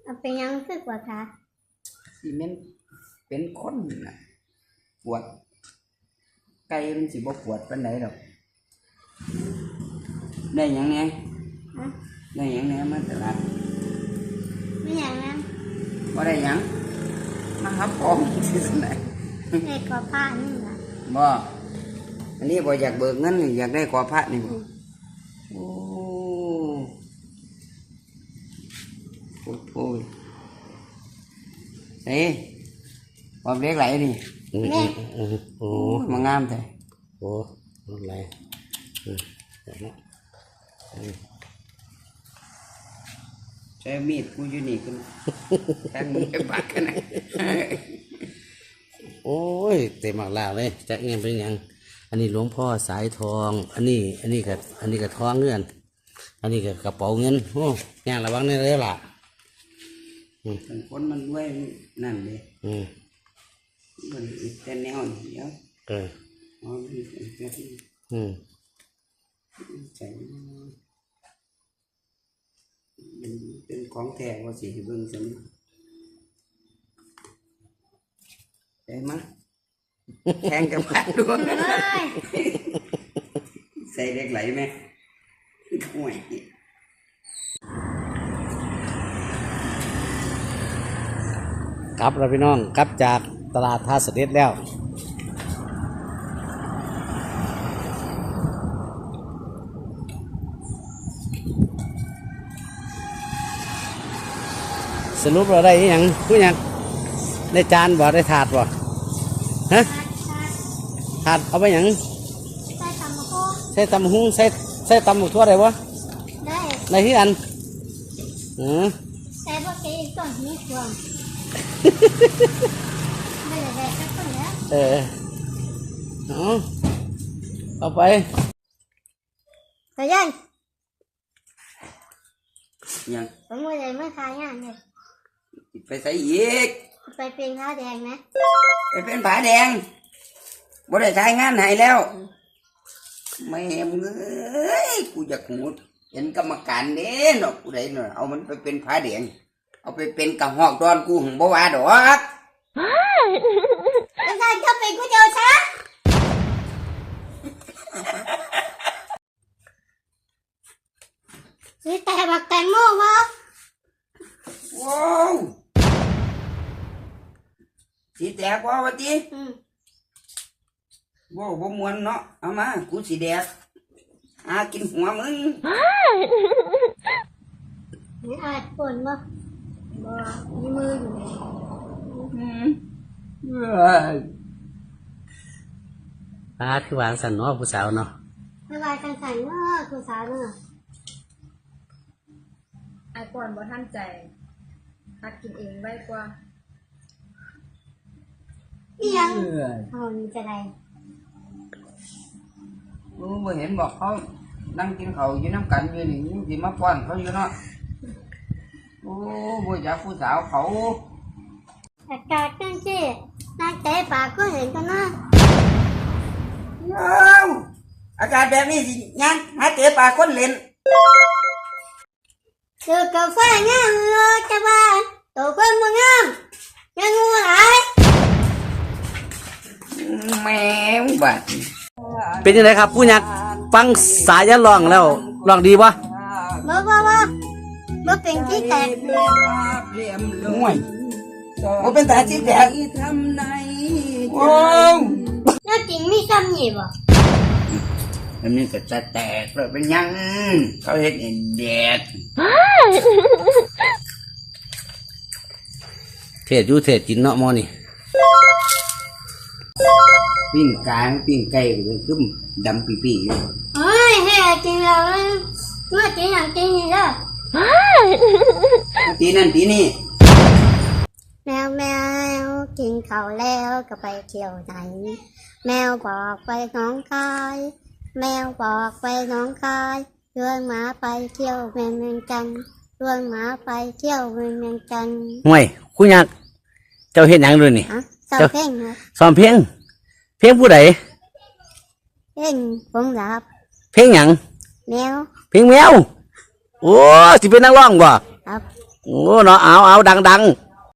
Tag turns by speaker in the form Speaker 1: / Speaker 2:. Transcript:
Speaker 1: เป็นยังคือกว่าคะ
Speaker 2: สิเมนเป็นคนน่ะปวดไก่มันสิบ่ปวดปานใดดอกได้หยังแหน่ได้หยังแหน่มาตลาด
Speaker 1: ไม่อย่างนั้น
Speaker 2: บ่ได้หยังมาหาของที่สุดไหน
Speaker 1: ได้กว่าผ้านี่นะ
Speaker 2: บ่อันนี้บ่อยากเบิกเงินอยากได้ขอพระนี่บ่โอ้โอ้ยเฮ้ยความเล็กไหลนี่โอ้มางามแท้
Speaker 3: โอ้อะไร
Speaker 2: ใช้มีดกูอยู่นี่กันแทงมึงไปปากกันนะ
Speaker 3: โอ้ยเต็มมากแล้วเลยจะเงินเป็นยังอันนี้หลวงพ่อสายทองอันนี้กับทองเงินอันนี้กับกระเป๋าเงินโอ้ยางระวังนี่เลยล่ะ
Speaker 2: คนมันด้วยนั่นเลยมันแต่แนวนี่เดี๋ยวอ๋อนี่ใจเป็นของแท้ว่าสิเบิ่งซั่นใจมั้ยแทงกับพัดด้วยใส่เล็กไหลไหมห่วย
Speaker 3: กลับเราพี่น้องกลับจากตลาดท่าเสด็จแล้วสรุปเราได้ยังผู้ยังได้จานบ่ได้ถาดบ่ฮะถาดเอาไปยังใส่ตำหุ้งใส่ตำหมูทั่วได้บ่ได้ที่อัน
Speaker 1: ใส่พวกแกอีกต้นนี้ช่วงไม่ได้สักต้นแล้ว
Speaker 3: เอาไป
Speaker 1: ไปยัง
Speaker 2: ผม
Speaker 1: ไม่ได้ไม่ขายงานเลย
Speaker 2: ไปใส่อีก
Speaker 1: ไปเป็นผ้าแดงนะ
Speaker 2: ไปเป็นผ้าแดงบ่ได้ใช้งานให้แล้วไม่เอ้ยกูอยากหูเห็นกรรมการเด้เนาะกูได้เนาะเอามันไปเป็นผ้าแดงเอาไปเป็นกระหอกดอนกูหึงบ่ว่าดอก
Speaker 1: แล้วท่านก็เป็นกูเดียวซะซื้อแต่บักแตงโมวะ
Speaker 2: ว้าวสีแตกว่าวะจีว้าวบ่มวนเนาะเอามากูสีแดกกินหัวมึง
Speaker 1: นี่อาจปนบ่มีมืออยู่
Speaker 3: คือวางสันเนาะผู้สาวเนาะ
Speaker 1: ไม่วายกันใส่เนาะผู้สาวเนาะ
Speaker 4: ไอ้ก่อนบ่ทันใจหัดกินเองไว้กว่า
Speaker 1: ยังเขามีจะไร
Speaker 2: บ่เห็นบอกเขานั่งกินเขาอยู่น้ำกันอยู่นี่สิมาป้อนเขาอยู่เนาะโอ้บ่อยากผู้สาวเขา
Speaker 1: อากาศจังซี่นางแต่ปากก็เห็นกันนะ
Speaker 2: อากาศแบบนี้สิงั้นหาเตะปากคนเล่น
Speaker 1: เจอกาแฟงามเลยจะบ้านตัวคนบ่งามยังงูหลาย
Speaker 2: แมวบัด
Speaker 3: เป็นยังไงครับผู้ยักฟังสายยันร้องแล้วร้องดีวะ
Speaker 1: บ่เป็นที่แตก
Speaker 2: ห่วยบ่เป็นตาที่แตกโอ้
Speaker 1: แล้วจริงมีซ้ำนี่บ่
Speaker 2: มันมีแต่จะแตกเลยเป็นยังเขาเห็นแดด
Speaker 3: เทศอยู่เทศกินเนาะมอนี่
Speaker 2: ปิ้งกลางปิ้งไก่ก็คือดำปีๆอยู่
Speaker 1: เฮ้ยให้จริงแล้วเมื่อจริงอย่างจริงนี่เด้อ
Speaker 2: ตีนั่นตีนี่
Speaker 1: แมวกินข้าวแล้วก็ไปเที่ยวไหนแมวบอกไปน้องคายแมวบอกไปน้องคายชวนหมาไปเที่ยวเมืองจันทร์ชวนหมาไปเที่ยวเมืองจันทร์
Speaker 3: ห่วยคุณยักเจ้าเห็นยังด้วยนี่
Speaker 1: ซ้อมเพลงนะ
Speaker 3: ซ้อมเพลงผู้ใด
Speaker 1: เพลงผมรับ
Speaker 3: เพลงหยัง
Speaker 1: แมว
Speaker 3: เพลงแมวโอ้สิเป็นนักร้องบ่
Speaker 1: ครับ
Speaker 3: โอ้เนาะเอาดัง